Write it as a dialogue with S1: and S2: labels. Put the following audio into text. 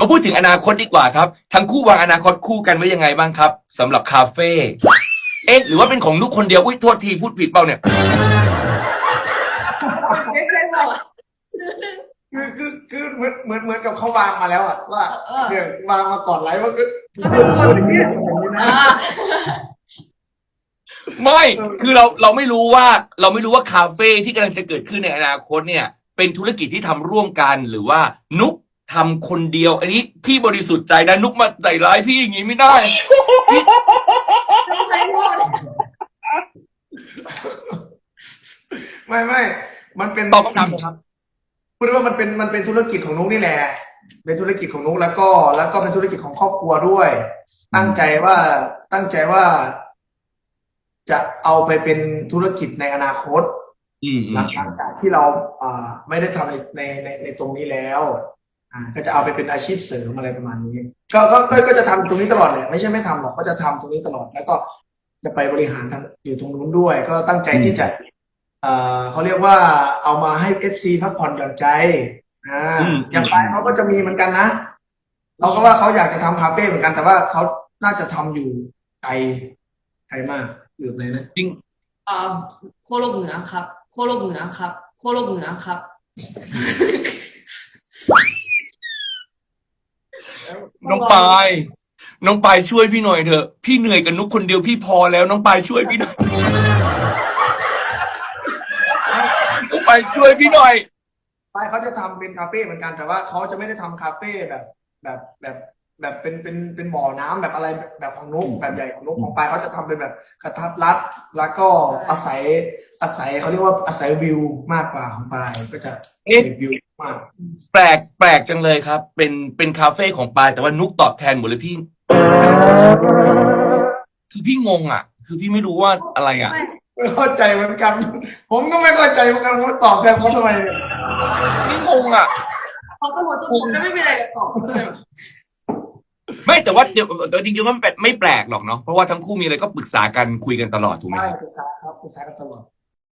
S1: มาพูดถึงอนาคตดีกว่าครับทั้งคู่วางอนาคตคู่กันไว้ยังไงบ้างครับสำหรับคาเฟ่หรือว่าเป็นของนุกคนเดียวอุ้ยโทษทีพูดผิดเปล่าเนี่ย
S2: ไม่เคยบอกอะ
S3: คือเหมือนกับเขาวางมาแล้วอะว่าเนี่ยวางมาก่อนไลฟ์ว่าก็
S2: เขาจะกด
S3: อย่างนี้อย่างนี้นะ
S2: อ่า
S1: ไม่คือเราไม่รู้ว่าคาเฟ่ที่กำลังจะเกิดขึ้นในอนาคตเนี่ยเป็นธุรกิจที่ทำร่วมกันหรือว่านุกทำคนเดียวอันนี้พี่บริสุทธิ์ใจนะนุกมาใส่ร้ายพี่อย่างนี้ไม่ได้
S2: ต้องใช้หมด
S3: ไม่มันเป็น
S1: ตอบคำถามครับ
S3: พูดได้ว่ามันเป็นธุรกิจของนุ๊กนี่แหละเป็นธุรกิจของนุ๊กแล้วก็เป็นธุรกิจของครอบครัวด้วย ตั้งใจว่าจะเอาไปเป็นธุรกิจในอนาคต หลังจากที่เราไม่ได้ทำในตรงนี้แล้วก็จะเอาไปเป็นอาชีพเสริมอะไรประมาณนี้ก็จะทำตรงนี้ตลอดแหละไม่ใช่ไม่ทำหรอกก็จะทำตรงนี้ตลอดแล้วก็จะไปบริหารทางอยู่ตรงนู้นด้วย ก็ตั้งใจที่จะเขาเรียกว่าเอามาให้ FC พักผ่อนหย่อนใจอย่างไปเขาก็จะมีเหมือนกันนะเขาก็ว่าเขาอยากจะทำคาเฟ่เหมือนกันแต่ว่าเขาน่าจะทำอยู่ไกลมากอยู่ไหนนะ
S1: จริง
S2: โคโลกเหนือครับโคโลกเหนือครับโคโลกเหนือครับ
S1: น้องปายช่วยพี่หน่อยเถอะพี่เหนื่อยกับนุกคนเดียวพี่พอแล้วน้องปายช่วยพี่หน่อยน้องปายช่วยพี่หน่อย
S3: ไปเขาจะทำเป็นคาเฟ่เหมือนกันแต่ว่าเขาจะไม่ได้ทำคาเฟ่แบบเป็นบ่อน้ำแบบอะไรแบบของนุกแบบใหญ่ของนุกของปายเขาจะทำเป็นแบบกระทัดรัดแล้วก็อาศัยเขาเรียกว่าอาศัยวิวมากกว่าของปายก็จะเสพวิวมาก
S1: แปลกจังเลยครับเป็นคาเฟ่ของปายแต่ว่านุกตอบแทนหมดเลยพี่คือพี่งงอ่ะ คือพี่ไม่รู้ว่าอะไรอ่ะ
S3: ไม่เข้าใจเหมือนกัน ผมก็ไม่เข้าใจเหมือนกันว่าตอบแทนเขาทำไมเนี่ย
S1: พี่งงอ่ะ
S2: เขาก็หมดทุกคนก็ไม่มีอะไรจะตอบเลย
S1: ไม่แต่ว่าเดี๋ยวจริงๆก็ไม่แปลกหรอกเนาะเพราะว่าทั้งคู่มีอะไรก็ปรึกษากันคุยกันตลอดถูกไหม
S3: ใช่
S1: ครับ
S3: ปรึกษากันตลอด